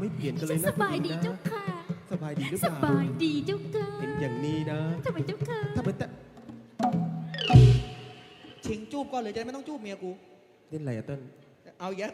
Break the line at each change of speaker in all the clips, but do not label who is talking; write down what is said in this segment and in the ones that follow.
ไม่เปลี่ยนกันเลยนะ
สบายดีเจ้าค่ะ
สบายดีหรือเป
ส
ล่า
บายดีเจ้าค่ะ
เห็นอย่างนี้นะ
ทำไมเจ้าค่ะ
ถ้าเป็นแต่
ชิงจูบก่อนเลยจะได้ไม่ต้องจูบเมียกู
เล่นอะไรอะเต้น
เอาเยอะ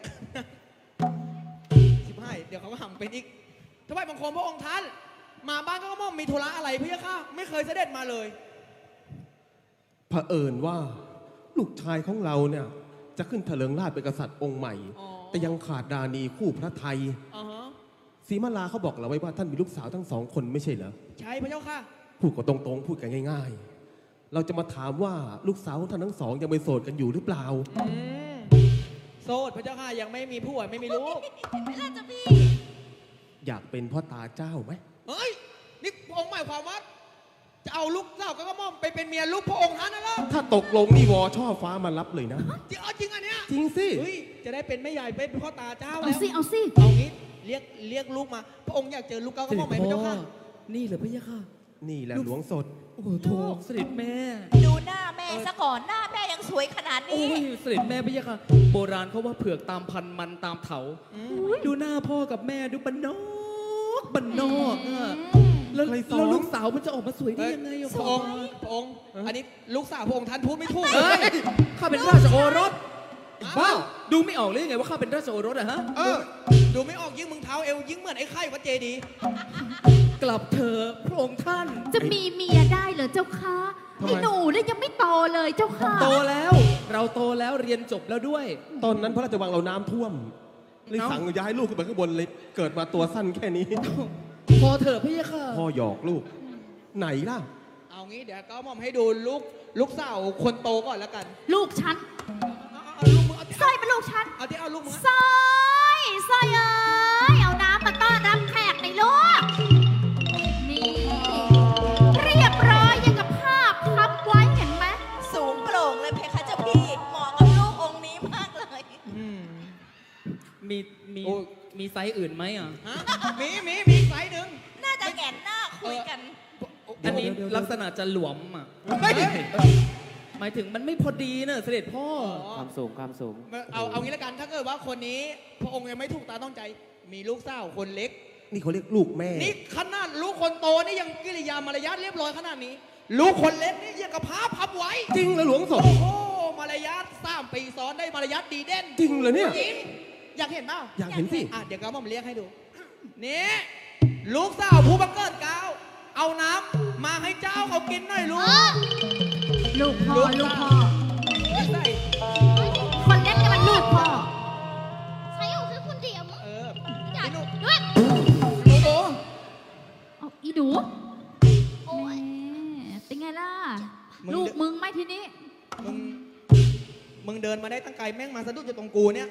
15เดี๋ยวเขาก็ห่ำเป็นอีกถวายบังคมพระองค์ท่านมาบ้านก็ม่อมมีธุระอะไรพี่ค่ะไม่เคยเสด็จมาเลย
เผอิญว่าลูกชายของเราเนี่ยจะขึ้นเถลิงราชย์เป็นกษัตริย์องค์ใหม่ แต่ยังขาดดานีคู่พระไทยศรีมาลาเขาบอกเราไว้ว่าท่านมีลูกสาวทั้งสองคนไม่ใช่เหรอ
ใช่พระเจ้าค่ะ
พูดก็ตรงๆพูดกันง่ายๆ เราจะมาถามว่าลูกสาวของท่านทั้งสองยังเป็นโสดกันอยู่หรือเปล่า
โสดพระเจ้าค่ะยังไม่มีผัวไม่มีลูก
ไม่น่าจะพี่
อยากเป็นพ่อตาเจ้าไหม
เฮ้ยนี่พระองค์หมายความว่าจะเอาลูกสาวก็ม่อมไปเป็นเมียลูกพระองค์ท่านนะล่ะ
ถ้าตกลงนี่วอช่อฟ้ามารับเลยนะ
จริงจริงอันเนี้ย
จริงสิ
เฮ้ยจะได้เป็นแม่ใหญ่เป็นพ่อตาเจ้า
เอา
แล้ว
สิเอาสิ
เอางี้เรียกลูกมาพระองค์อยากเจอลูกเก้าก็ม่อมไหมพระเจ้าค่ะ
นี่เหรอพะยะค่ะ
นี่แหละหลวงสด
โอ้โหโถเสด็จแม่
ดูหน้าแม่ซะก่อนหน้าแม่ยังสวยขนาด
โอ้
นี้
ยเสด็จแม่พะยะค่ะ โบราณเขาว่าเผือกตามพันมันตามเถา ดูหน้าพ่อกับแม่ดูบันนอกบันนอกอะแล้ว
ใครสอน
แล้วลูกสาวมันจะออกมาสวยได้ยังไงอะ
พระองค์พระองค์ อันนี้ลูกสาวพระองค์ท่านพูดไม่ถูก
เฮ้ยข้าเป็นราชโอรสบ้าดูไม่ออกเลยยังไงว่าข้าเป็นราชโอรสอะฮะ
ดูไม่ออกยิ่งมึงเท้าเอวยิ่งเหมือนไอ้ไข่วัดเจดีย์
กลับเถอะพระองค์ท่าน
จะมีเมียได้เหรอเจ้าค่ะ
ทำไม
ไอ้หนูเนี่ยยังไม่โตเลยเจ้าค่ะ
โตแล้ว เราโตแล้วเรียนจบแล้วด้วย
ตอนนั้นพระราชวังเราน้ำท่วมเลยสั่งย้ายลูกขึ้นไปข้างบนเลยเกิดมาตัวสั้นแค่นี้
พอเถอะพะยะค่ะ
พ่อหยอกลูก ไหนล่ะ
เอางี้เดี๋ยวก็ม่อมให้ดูลูกสาวคนโตก่อนแล้วกัน
ลูกฉัน
เอาลูกมึง
สร้อยเป็นลูกฉัน
เอาลูกมึง
สร้อยสร้อยเอ้ยเอาน้ำมาต้อนรับแขกในอยลูกนี่เรียบร้อยยังกับภาพพับไว้เห็นไหม
สูงโปร่งเลยเพคะเจ้าพี่เหมาะกับลูกองค์นี้มากเลย
มีมีมีไซส์อื่นไหมอ่ะ
ฮะมีไซส์หนึ่ง
น่าจะแหงนหน้าคุยกัน
อันนี้
เดี๋ยว
ลักษณะจะหลวมอ่ะ
เฮ้ย
หมายถึงมันไม่พอดีเนอะเสด็จพ่อ
ความสูงความสูง
เอางี้แล้วกันถ้าเกิดว่าคนนี้พระองค์ยังไม่ถูกตาต้องใจ มีลูกสาวคนเล็ก
นี่เขาเรียกลูกแม่
นี่ขนาดลูกคนโตนี่ยังกิริยามารยาทเรียบร้อยขนาดนี้ ลูกคนเล็กนี่ยังกับผ้าพับไว้
จริงเหรอหลวงสด
โอ้โหมารยาท3 ปีซ้อนได้มารยาทดีเด่น
จริงเหรอเนี่ย
จริงอยากเห็นเปล่า
อยากเห็นสิ
เดี๋ยวก็ม่อมเรียกให้ดู นี่ลูกสาวผู้บังเกิดเกล้าเอาน้ำมาให้เจ้าเขากินหน่อยลูก
ลูกพ่อลูกพ่อ
ไม่ใส่
คนเล็กเนี่ยมันลูกพ่อ
ใช้อยู่แค่คนเดียวมั้ง
ไอ้หนู
ด้วย
หนูโต
เอาอีหนู
โอ้ย
แหมเป็นไงล่ะ ลูกมึงไหมทีนี้
มึงเดินมาได้ตั้งไกลแม่งมาสะดุดอยู่ตรงกูเนี่ย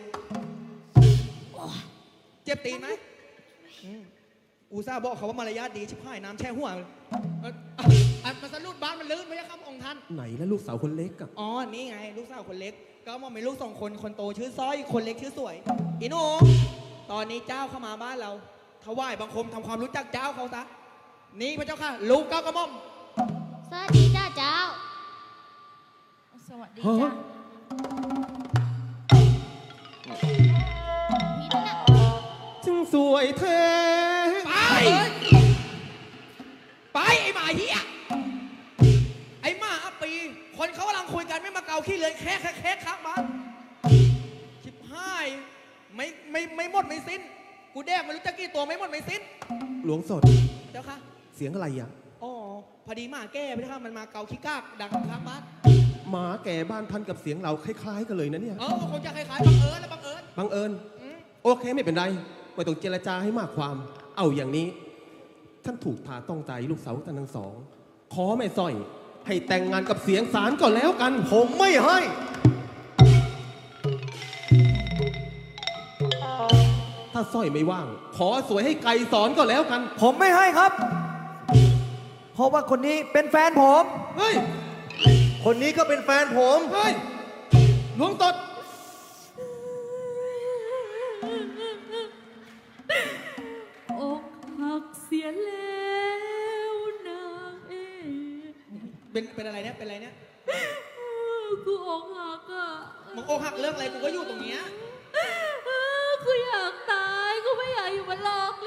เจ็บตีนไหมอูซ่าห์บอกเขาว่ามารยาทดีชิบหายน้ำแช่หัวมาสะดุดบ้านมันลื่นไม่ใช่ครับองค์ท่าน
ไหนแล้วลูกสาวคนเล็กอะ
อ๋อ นี่ไง ลูกสาวคนเล็ก ก็มองเป็นลูก2 คน คนโตชื่อสร้อย คนเล็กชื่อสวย อีหนูตอนนี้เจ้าเข้ามาบ้านเรา ถวายบังคมทำความรู้จักเจ้าเขาซะ นี่พระเจ้าค่ะ ลูกเก้ากระหม่อม
สวัสดีจ้าเจ้า
สวัสดี
ฮะ
จ้ะ
พี่นั่นน่ะ
จึงสวยแท้
ไป ไป ไอ้หมาเหี้ย ไอ้หมาอัปปี คนเขากำลังคุยกันไม่มาเกาขี้เลยแค่ข้างบ้านชิบหาย ไม่หมดไม่สิ้น กูแดกไม่รู้จะกี่ตัวไม่หมดไม่สิ้น
หลวงสด
เจ้าค่ะ
เสียงอะไรอะ
อ๋อ พอดีหมาแก้ไปแล้วค่ะมันมาเกาขี้กากดังข้างบ้าน
หมาแก่บ้านท่านกับเสียงเราคล้ายๆกันเลยนะเนี่ย
คงจะคล้ายๆบังเอิญและบังเอิญ
บังเอิญโอเคไม่เป็นไรไม่ต้องเจรจาให้มากความ เอาอย่างนี้ ท่านถูกทาต้องใจลูกสาวท่านทั้งสอง ขอแม่สร้อย ให้แต่งงานกับเสียงสารก่อนแล้วกัน
ผมไม่ให้
ถ้าสร้อยไม่ว่าง ขอสวยให้ไกลสอนก็แล้วกัน
ผมไม่ให้ครับ เพราะว่าคนนี้เป็นแฟนผม
เฮ้ย
คนนี้ก็เป็นแฟนผม
เฮ้ย หลวงตด
อกหักเสียแล้วนางเอ๋
เป็นอะไรเนี่ย เป็นอะไรเนี่ย
กูอกหักอ่ะ
มึงอกหักเรื่องอะไร กูก็อยู่ตรงเนี้ย
กูอยากตาย กูไม่อยากอยู่บนโลก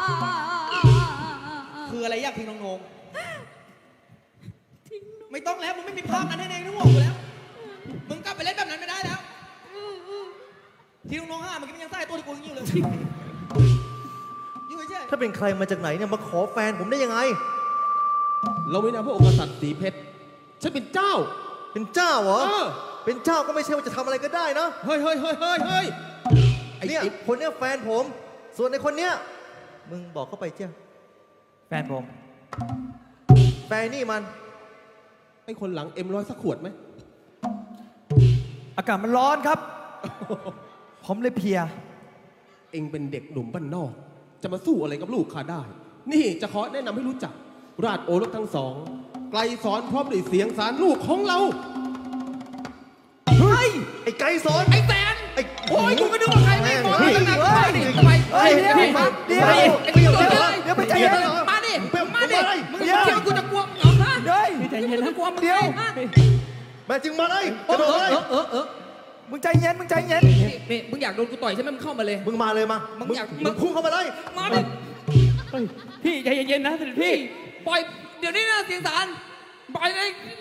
คืออะไรอยากทิ้งน้องโหนงไม่ต้องแล้วมึงไม่มีภาพนั้นให้เองนึกว่ากูแล้วมึงกลับไปเล่นแบบนั้นไม่ได้แล้วที่น้องๆห้ามันก็ยังใส่ตัวที่กูยังอยู่เลยอยู่เฉย
ถ้าเป็นใครมาจากไหนเนี่ยมาขอแฟนผมได้ยังไง
เราไม่นามพระองค์กษัตริย์สีเพชรฉันเป็นเจ้า
เป็นเจ้าเหรอ
เออ
เป็นเจ้าก็ไม่ใช่ว่าจะทำอะไรก็ได้นะ
เฮ้ยเฮ้ยเฮ้ยเฮ้ยเฮ้ยไอ้
เนี่ย
ไอ้
คนเนี้ยแฟนผม ส่วนในคนเนี้ยมึงบอกเข้าไปเจ้า
แฟนผม
แฟนนี่มัน
ไอ้คนหลังM100สักขวดไหม
อากาศมันร้อนครับ ผมเลยเพลีย
เองเป็นเด็กหนุ่มบ้านนอก จะมาสู้อะไรกับลูกข้าได้ นี่จะขอแนะนำให้รู้จัก ราชโอรสทั้งสอง ไกลสอนพร้อมด้วยเสียงสารลูกของเรา
เฮ้ย ไอ้ไก่สอน
ไอ้แตน
ไอ้
โอ้ยกูก็นึกว่าใครไม่มองตั้งนานไปดิทำไม
เฮ้ย
เดี๋ยว
เดี๋ยว
เดี๋ยว
เดี๋ยว
เดี๋ยว
เดี๋ยวไปใจเย็น
มาดิ มาดิมึง
เดี๋ยว
คิดว่ากูจะกลัวมึงเหรอฮะ
เฮ้ย
ใจเย็นนะกลัวมึง
เดี๋ยว
ฮะ
แม่จึงมาเลยกระโดดเลย
มึงใจเย็น มึงใจเย็น
นี่มึงอยากโดนกูต่อยใช่ไหมมึงเข้ามาเลย
มึงมาเลยมา
มึ
มึ
งอยาก
มึงพุ่งเข้ามาเลย
มาดิ
พี่ใจเย็นๆนะเสด็จพี่
ปล่อย เดี๋ยวนี้นะเสียงสารปล่อยเลย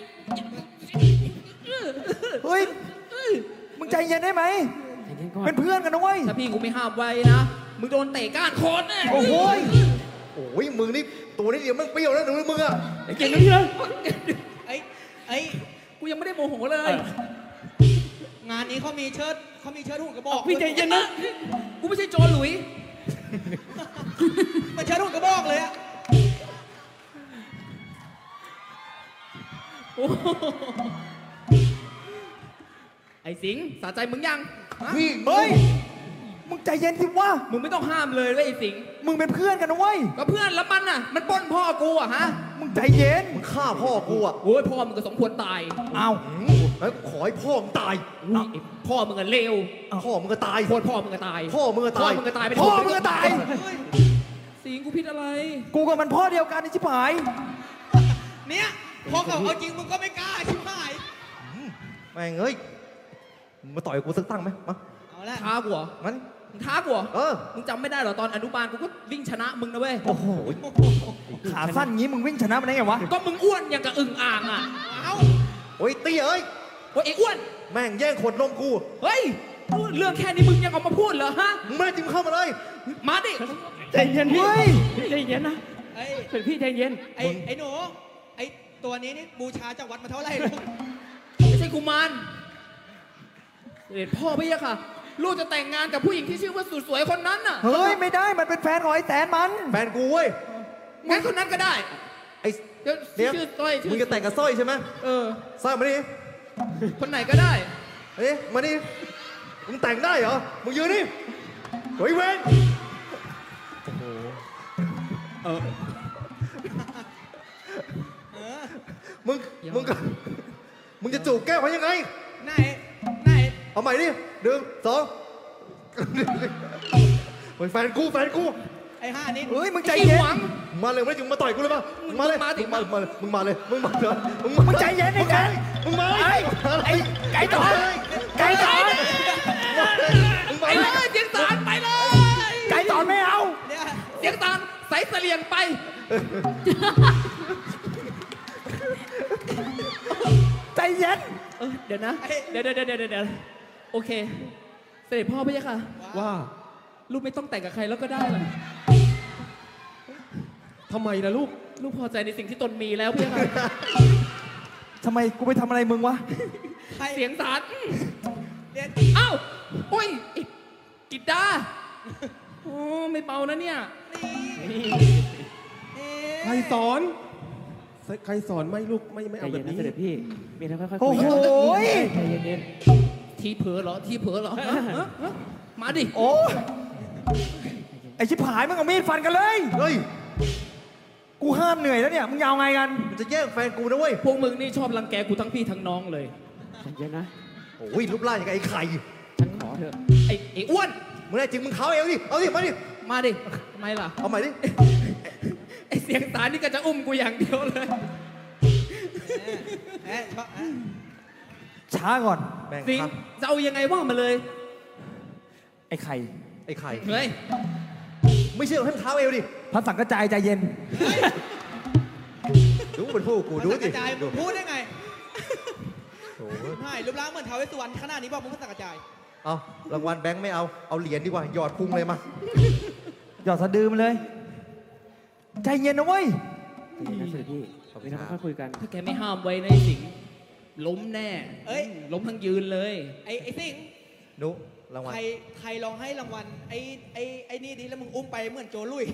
เฮ้ย มึงใจเย็นได้ไหม เป็นเพื่อนกันนะเว้ย
ถ้าพี่กูไม่ห้ามไว้นะ มึงโดนเตะก้านคอแน่
โอ้โหย
โอ้ยมึงนี่ตัวนี้เดียวมึงเปรี้ยวแล้วหนูมึงอะ
เก่งนะพี่นะ
ไอ้กูยังไม่ได้โมโหเลย งานนี้เขามีเชิดหุ่นกระบอก
พี่ใจเย็นนะ
กูไม่ใช่โจรหลุยมันเชิดหุ่นกระบอกเลยอะโอ้โหไอ้สิงห์สะใจมึงยังฮะ
พี่
เฮ้ย มึงใจเย็นสิวะ
มึงไม่ต้องห้ามเลยเว้ยไอ้สิงห์
มึงเป็นเพื่อนกันนะเว้ย
ก็เพื่อนแล้วมันน่ะ มันปล้นพ่อกูอะฮะ
มึงใจเย็น
มึงฆ่าพ่อกูอะ
โอ้ยพ่อมึงก็สมควรตาย
เอา
แล้วขอให้พ่อมึงตาย
อุ้ยไอ้พ่อมึงอะเลว
พ่อมึงก็ตาย
โคตรพ่อมึงก็ตาย
พ่อมึงก็
พ่อ
ตาย
มึงก็ตายไป
พ่อมึงก็ตาย
สิงห์กูผิดอะไร
กูกับมันพ่อเดียวกันไอ้ชิบหาย
เนี่ยพอเขาเอาจริงมึงก็ไม่กล้าชิบหาย
แม่งเอ้ยมึงมาต่อยกูสักตั้งไหมมา
เอาละท้ากูเหรอ
มัน
มึงท้ากูเหรอ
เออ
มึงจำไม่ได้เหรอตอนอนุบาลกูก็วิ่งชนะมึงนะเว้ย
โอ้โห
ขาสั้นงี้มึงวิ่งชนะมันได้ไงวะ
ก็มึงอ้วนอย่างกับอึ่งอ่างอ่ะเอ้า
โอ้ยเตี้ยเอ้ย
โอ้ยไอ้อ้วน
แม่งแย่งขวดนมกู
เฮ้ยเรื่องแค่นี้มึงยังออกมาพูดเหรอฮะ
มึงไม่จริงเข้ามาเลย
มาดิ
ใจเย็นพี่ใจเย็นนะ
ไอ้
เป็นพี่ใจเย็น
ไอ้หนูไอ้ตัวนี้นี่บูชาจากวัดมาเท่าไหร่ลูกไม่ใช่กุมารเด็ดพ่อพี่อะค่ะ ลูกจะแต่งงานกับผู้หญิงที่ชื่อว่าสุดสวยคนนั้นน่ะ
เฮ้ย ไม่ได้ มันเป็นแฟนของไอ้แตนมัน
แฟนกูเว้ย
งั้นคนนั้นก็ได้
ไอ้
เดี๋ยว
เดี๋ยว
ชื่อต้อยชื่อ
มึงจะแต่งกับสร้อยใช่ไหม
เออ
สร้อยมาดิ
คนไหนก็ได้
เอ้ยมาดิมึงแต่งได้เหรอ มึงยืนนี่เฮ้ยเว้น
เออ
มึง มึงก็มึงจะจูบแก้วเขายังไง
ไหนไหน
เอาใหม่ดิหนึ่งสองเฮ้ยแฟนกูแฟนกู
ไอ้ห้านี่
เฮ้ย มึงใจ
ไอ้
เย็น
หวัง
มึงมาเลยไม่ได้มึงมาต่อยกูเลยป่ะมึงมาเลย
มึงมาดิ
มึงมาเลยมึงมาเลยมึงมาเลย
มึงใจเย็นไอ้แก
มึงมาเลย
ไอ้ไก่ต่อไก่ต่อ
มึงมา
ไป
เล
เลย ยเสียงสารไปเลย
ไก่ต่อไม่เอา
เนี่ยเสียงสารใส่เสลียงไป
ใจเย็น
เดี๋ยวนะ เดี๋ยวโอเค เสด็จพ่อพี่ค่ะ
ว่า
ลูกไม่ต้องแต่งกับใครแล้วก็ได้หรอ
ทำไมล่ะลูก
ลูกพอใจในสิ่งที่ตนมีแล้วพี่ค่ะ
ทำไมกูไปทำอะไรมึงวะ
เสียงสารเอ้าโอ้ยไอ้กิดดาโอ้ไม่เบานะเนี่ย
ใครสอน ใครสอนไม่ลูกไม่เอาแบบนี้
โอ้โหย
ทีเผลอเหรอ ทีเผลอเหรอฮะฮะฮะมาดิ
โอ้ยไอชิบหายมึงเอามีดฟันกันเลย
เฮ้ย
กูห้ามเหนื่อยแล้วเนี่ย มึงยาวไงกัน
มันจะแย่งแฟนกูนะเว้ย
พวกมึงนี่ชอบรังแกกูทั้งพี่ทั้งน้องเลย
โอ้ยรูปร่างอย่างกับไอ้ไข่
ไอ้อ้วน
มึงแน่จริงมึงเขาเอวดิเอาดิมาดิ
มาดิทำไมล่ะ
เอาใหม่ดิ
ไอ้เสียงสารนี่ก็จะอุ้มกูอย่างเดียวเลย
ช้าก่อน
แม่ง
สิง
ครับ
จะเอายังไงว่ามาเลย
ไอ้ไข่
ไอ้ไข่
เฮ้ย
ไม่เชื่อให้มันเท้าเอวดิ
พระสังกระจายใจเย็น
ดูมันพูดกูดู
ภาษา
ดิ
กระจาย
ดู
พูดได้ไง
โถ่
ใช่รูปร่างเหมือนท้าวเวสสุวรรณขนาดนี้บอกมึงภาษากระจาย
เอารางวัลแบงค์ไม่เอา เอาเหรียญดีกว่า หยอดพุงเลยมา
หยอดสะดือมันเลย ใจเย็นนะเว้ย
ขอบคุณครับ
ถ้าแกไม่ห้ามไว้ในะไอ้สิงห์ล้มแน่
เอ้ย
ล้มทั้งยืนเลย
ไอ้สิ่ง
นุรางวัล
ใครลองให้รางวัลไอ้นี่ดิแล้วมึงอุ้มไปเหมือนโจลุย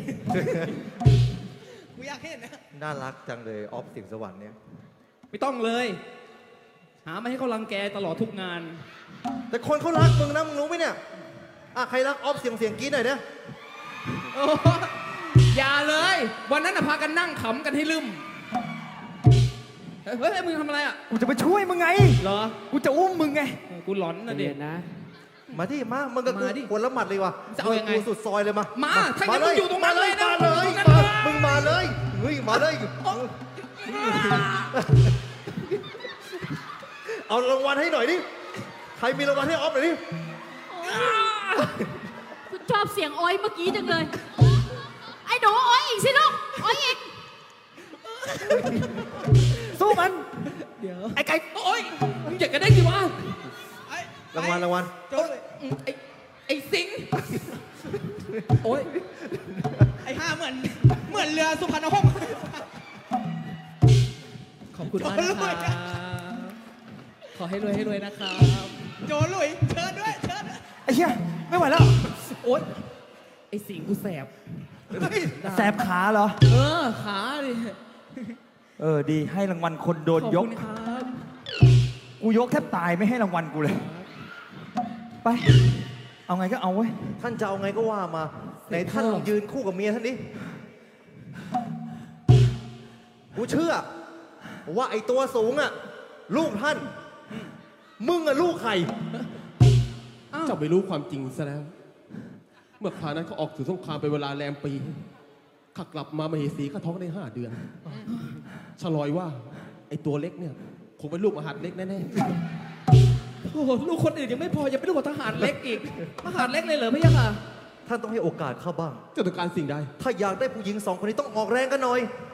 กูอยากเห็นนะ
น่ารักจังเลยออฟสิงห์สวรรค์เนี่ย
ไม่ต้องเลย หามาให้เขารังแกตลอดทุกงาน
แต่คนเขารักมึงนะมึงรู้ไหมเนี่ยใครรักออฟเสียงกรี๊ดหน่อยเนี่ย
โอ้อย่าเลย วันนั้นน่ะพากันนั่งขำกันให้ลืมเฮ้ยมึงทำอะไรอ่ะ
กูจะไปช่วยมึงไง
เหรอ
กูจะอุ้มมึงไง
กูหลอนนะเด็ก
มาที่มามึงกับกู
มาดิ
คนละหมัดเลยว่ะ
จะเอายังไง
กูสุดซอยเลยมา
มา
มา
ถ้างั้นมึงอยู่ตรงนั้นเลยนะ
มาเลย
อยู่ตรงนั้น
มา
เลย
มึงมาเลยเฮ้ยมาเลยเอารางวัลให้หน่อยดิใครมีรางวัลให้ออฟหน่อยดิ
คุณชอบเสียงโอ้อยเมื่อกี้จังเลย ไอ้หนูโอ้อยอีกสิลูกโอ้อยอีก
สู้มัน
เดี๋ยว
ไอ้ไก่
โอ๊ยมึงอยากกันได้สิวะ
รางวัล
โจลุย
ไอ้สิงห์โอ๊ย
ไอ้ห่าเหมือนเรือสุพรรณหงส์
ขอบคุณมากนะครับขอให้รวยนะครับ
โจลุยเชิญด้วยเชิญด้วย
ไอ้เหี้ย ไม่ไหวแล้ว
โอ๊ยไอ้สิงห์กูแสบ
แสบขาเหรอ
ขาดิ
ดี ให้รางวัลคนโดน
ขอบ
ย
คุ
ก
ณครับ
กูยกแทบตายไม่ให้รางวัลกูเลย ไป เอาไงก็เอาเว้ย
ท่านจะเอาไงก็ว่ามาไหนท่านลองยืนคู่กับเมียท่านดิกูเชื่อ ว่าไอ้ตัวสูงลูกท่าน มึงลูกใคร
เจ้าไม่รู้ความจริงซะแล้ว เมื่อคราวนั้นเขาออกสู่สงครามเป็นเวลาแรมปีข้ากลับมามเหสีข้าท้องได้5 เดือนฉลอยว่า ไอ้ตัวเล็กเนี่ยคงเป็นลูกมหาดเล็กแน่
โอ้โหลูกคนอื่นยังไม่พอยังเป็นลูกของทหารเล็กอีกทหารเล็กเลยเหรอพี่ยังค่ะ
ท่านต้องให้โอกาสข้าบ้าง
ๆเจ้าต้องการสิ่งใด
ถ้าอยากได้ผู้หญิง2 คนนี้ต้องออกแรงกันหน่อย